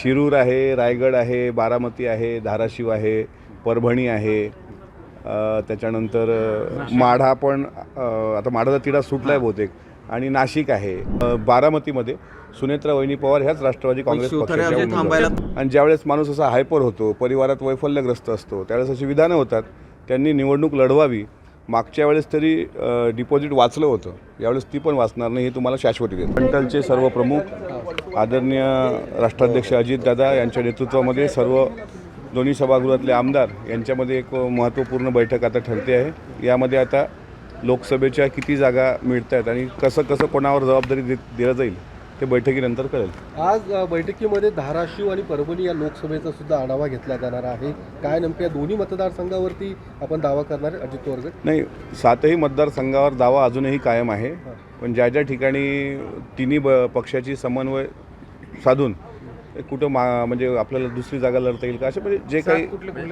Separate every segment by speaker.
Speaker 1: शिरूर आहे, रायगड आहे, बारामती आहे, धाराशिव आहे, परभणी आहे, त्याच्यानंतर माढा पण आता माढाचा तिढा सुटला आहे बहुतेक, आणि नाशिक आहे. बारामतीमध्ये सुनेत्रा वहिनी पवार ह्याच राष्ट्रवादी काँग्रेस पक्षाच्या उमेदवार. आणि ज्यावेळेस माणूस असा हायपर होतो, परिवारात वैफल्यग्रस्त असतो, त्यावेळेस अशी विधानं होतात. त्यांनी निवडणूक लढवावी. मागच्या वेळेस तरी डिपॉझिट वाचलं होतं, यावेळेस ती पण वाचणार नाही, हे तुम्हाला शाश्वती देतो. मंडलचे सर्व प्रमुख आदरणीय राष्ट्राध्यक्ष अजितदादा यांच्या नेतृत्वामध्ये सर्व दोन्ही सभागृहातले आमदार यांच्यामध्ये एक महत्त्वपूर्ण बैठक आता ठरते आहे. यामध्ये आता लोकसभेच्या किती जागा मिळत आहेत आणि कसं कसं कोणावर जबाबदारी दिलं जाईल ते बैठकीनंतर कळेल.
Speaker 2: आज बैठकीमध्ये धाराशिव आणि परभणी या लोकसभेचा सुद्धा आढावा घेतला जाणार आहे. काय नेमक्या दोन्ही मतदारसंघावरती आपण दावा करणार आहे अजित पवार गट?
Speaker 1: नाही, 7ही मतदारसंघावर दावा अजूनही कायम आहे. पण ज्या ज्या ठिकाणी तिन्ही पक्षाची समन्वय साधून कुठं म्हणजे आपल्याला दुसरी जागा लढता येईल का, असे म्हणजे जे काही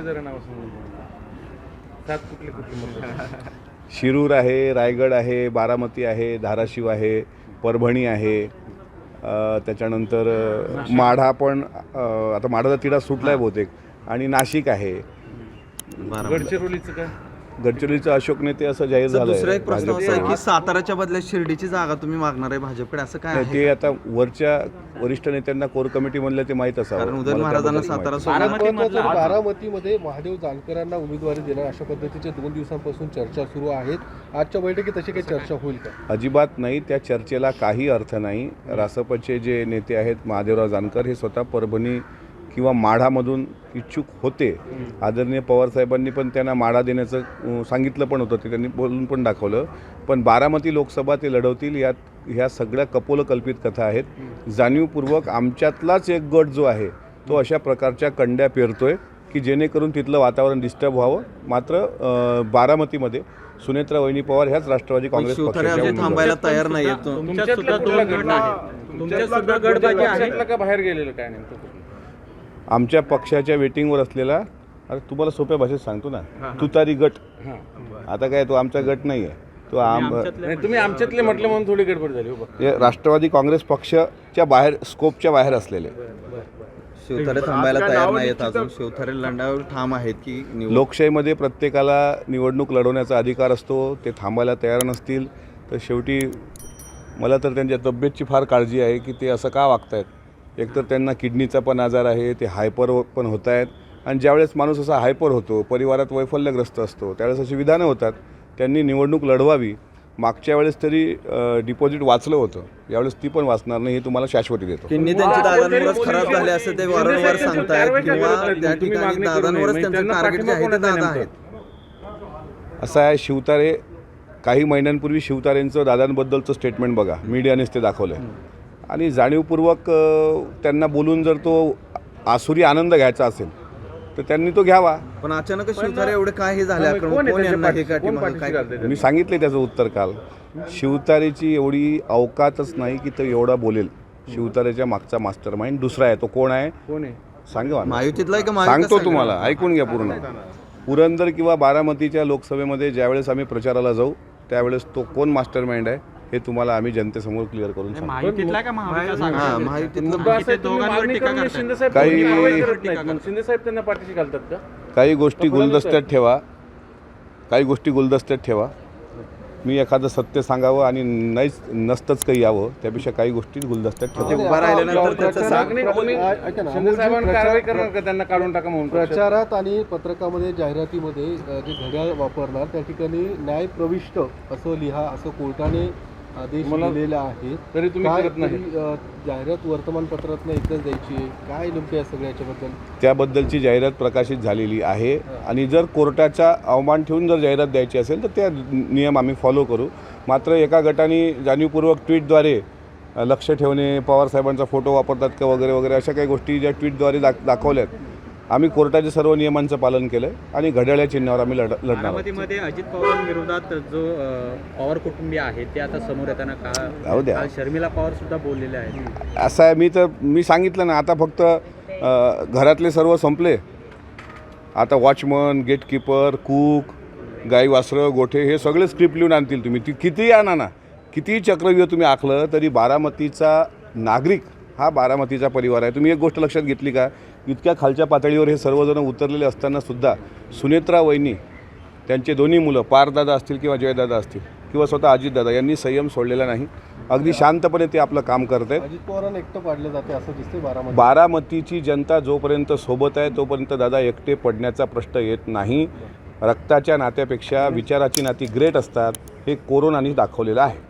Speaker 1: शिरूर आहे, रायगड आहे, बारामती आहे, धाराशिव आहे, परभणी आहे, त्याच्यानंतर माढा पण आता माढाचा तिढा सुटला आहे बहुतेक, आणि नाशिक आहे.
Speaker 3: गडचिरोलीचं काय?
Speaker 1: गडचिरोलीचं अशोक नेते असं जाहीर झालं.
Speaker 4: दुसरा एक प्रश्न असा आहे की साताराच्या बदल्यात शिर्डीची जागा तुम्ही मागणार आहे भाजपकडे, असं काय आहे?
Speaker 1: ते आता वरच्या वरिष्ठ नेत्यांना कोर कमिटी मधल्या ते माहीत असावं.
Speaker 4: कारण उदयन महाराजांना सातारा
Speaker 2: बारामतीमध्ये महादेव जानकरांना उमेदवारी देणार अशा पद्धतीच्या 2 दिवसांपासून चर्चा सुरू आहेत. आजच्या बैठकीत तशी काही चर्चा होईल का?
Speaker 1: अजिबात नाही. त्या चर्चेला काही अर्थ नाही. रासपचे जे नेते आहेत महादेवराव जानकर हे स्वतः परभणी किंवा माढामधून इच्छुक होते. आदरणीय पवारसाहेबांनी पण त्यांना माढा देण्याचं सांगितलं पण होतं, ते त्यांनी बोलून पण दाखवलं. पण बारामती लोकसभा ते लढवतील, यात ह्या सगळ्या कपोलकल्पित कथा आहेत. जाणीवपूर्वक आमच्यातलाच एक गट जो आहे तो अशा प्रकारच्या कंड्या पेरतोय की जेणेकरून तिथलं वातावरण डिस्टर्ब व्हावं. मात्र बारामतीमध्ये सुनेत्रा वहिनी पवार ह्याच राष्ट्रवादी काँग्रेस पक्षाच्या
Speaker 4: थांबायला तयार नाही.
Speaker 3: बाहेर गेलेलं काय नेमकं?
Speaker 1: आमच्या पक्षाच्या वेटिंगवर असलेला, अरे तुम्हाला सोप्या भाषेत सांगतो ना, तुतारी गट. आता काय तो आमचा गट नाही आहे, तो
Speaker 3: तुम्ही आमच्यातले म्हटलं म्हणून थोडी गडबड झाली.
Speaker 1: राष्ट्रवादी काँग्रेस पक्षाच्या बाहेर, स्कोपच्या बाहेर असलेले.
Speaker 4: शिवथारे थांबायला तयार नाहीत अजून. शिवथारे लढण्यावर ठाम आहेत की
Speaker 1: लोकशाहीमध्ये प्रत्येकाला निवडणूक लढवण्याचा अधिकार असतो. ते थांबायला तयार नसतील तर शेवटी मला तर त्यांच्या तब्येतची फार काळजी आहे की ते असं का वागतायत. एकतर त्यांना किडनीचा पण आजार आहे, ते हायपर पण होत आहेत. आणि ज्यावेळेस माणूस असा हायपर होतो, परिवारात वैफल्यग्रस्त असतो, त्यावेळेस अशी विधानं होतात. त्यांनी निवडणूक लढवावी. मागच्या वेळेस तरी डिपॉझिट वाचलं होतं, यावेळेस ती पण वाचणार नाही, हे तुम्हाला शाश्वती देतो.
Speaker 4: किडनी त्यांची दादांवरच खराब झाले असं ते वारंवार सांगतायत, किंवा त्या ठिकाणी दादांवरच त्यांचं टार्गेट जे आहे ते दादा आहेत.
Speaker 1: असं आहे, शिवतारे काही महिन्यांपूर्वी शिवतारेंचं दादांबद्दलचं स्टेटमेंट बघा, मीडियानेच ते दाखवलं आहे. आणि जाणीवपूर्वक त्यांना बोलून जर तो आसुरी आनंद घ्यायचा असेल तर त्यांनी तो घ्यावा.
Speaker 4: पण अचानक शिवथारे एवढे काय हे झाले,
Speaker 1: मी सांगितले त्याचं उत्तर काल. शिवतारेची एवढी अवकातच नाही की तो एवढा बोलेल. शिवतारेच्या मागचा मास्टर माइंड दुसरा आहे. तो कोण आहे सांगा.
Speaker 4: महायुतीतला का?
Speaker 1: सांगतो तुम्हाला, ऐकून घ्या पूर्ण. पुरंदर किंवा बारामतीच्या लोकसभेमध्ये ज्यावेळेस आम्ही प्रचाराला जाऊ त्यावेळेस तो कोण मास्टर माइंड आहे हे तुम्हाला आम्ही जनतेसमोर क्लिअर करून सांगतो. काही गोष्टी गुलदस्त्यात ठेवा, काही गोष्टी गुलदस्त्यात ठेवा. मी एखादं सत्य सांगावं आणि नसतंच काही यावं, त्यापेक्षा काही गोष्टी गुलदस्त्यात ठेवा.
Speaker 3: त्यांना काढून टाका म्हणून
Speaker 2: प्रचारात आणि पत्रकामध्ये जाहिरातीमध्ये जे घड्याळ वापरणार त्या ठिकाणी न्याय प्रविष्ट असं लिहा, असं कोर्टाने आदेश दिलेला आहे.
Speaker 3: तरी तुम्ही करत नाही.
Speaker 2: जाहिरात वर्तमानपत्रातनं एकदाच द्यायची आहे. काय नेमकं या सगळ्याच्याबद्दल?
Speaker 1: त्याबद्दलची जाहिरात प्रकाशित झालेली आहे. आणि जर कोर्टाचा अवमान ठेवून जर जाहिरात द्यायची असेल तर त्या नियम आम्ही फॉलो करू. मात्र एका गटाने जाणीवपूर्वक ट्विटद्वारे लक्ष ठेवणे, पवारसाहेबांचा फोटो वापरतात का वगैरे वगैरे अशा काही गोष्टी ज्या ट्विटद्वारे दाखवल्यात, आम्ही कोर्टाच्या सर्व नियमांचं पालन केलं आणि घड्याळ्या चिन्हावर आम्ही लढणार.
Speaker 5: बारामतीमध्ये अजित पवारांविरोधात जो पवार कुटुंबीय आहे ते आता समोर येताना का शर्मिला पवार सुद्धा बोललेले आहेत.
Speaker 1: असं आहे, मी सांगितलं ना, आता फक्त घरातले सर्व संपले. आता वॉचमन, गेटकीपर, कूक, गाई वासरं, गोठे हे सगळे स्क्रिप्ट लिहून आणतील. तुम्ही ती कितीही आणा ना, कितीही चक्रव्यूह तुम्ही आखलं तरी बारामतीचा नागरिक हा बारामतीचा परिवार आहे. तुम्ही एक गोष्ट लक्षात घेतली का, इतक्या खालच्या पातळीवर हे सर्वजण उतरलेले असतानासुद्धा सुनेत्रा वहिनी, त्यांचे दोन्ही मुलं पारदादा असतील किंवा जयदादा असतील किंवा स्वतः अजितदादा यांनी संयम सोडलेला नाही. अगदी शांतपणे ते आपलं काम करत आहेत.
Speaker 2: अजित पवारांना एकटं पाडलं जाते असं दिसते बारामती.
Speaker 1: बारामतीची जनता जोपर्यंत सोबत आहे तोपर्यंत दादा एकटे पडण्याचा प्रश्न येत नाही. रक्ताच्या नात्यापेक्षा विचाराची नाती ग्रेट असतात, हे कोरोनाने दाखवलेलं आहे.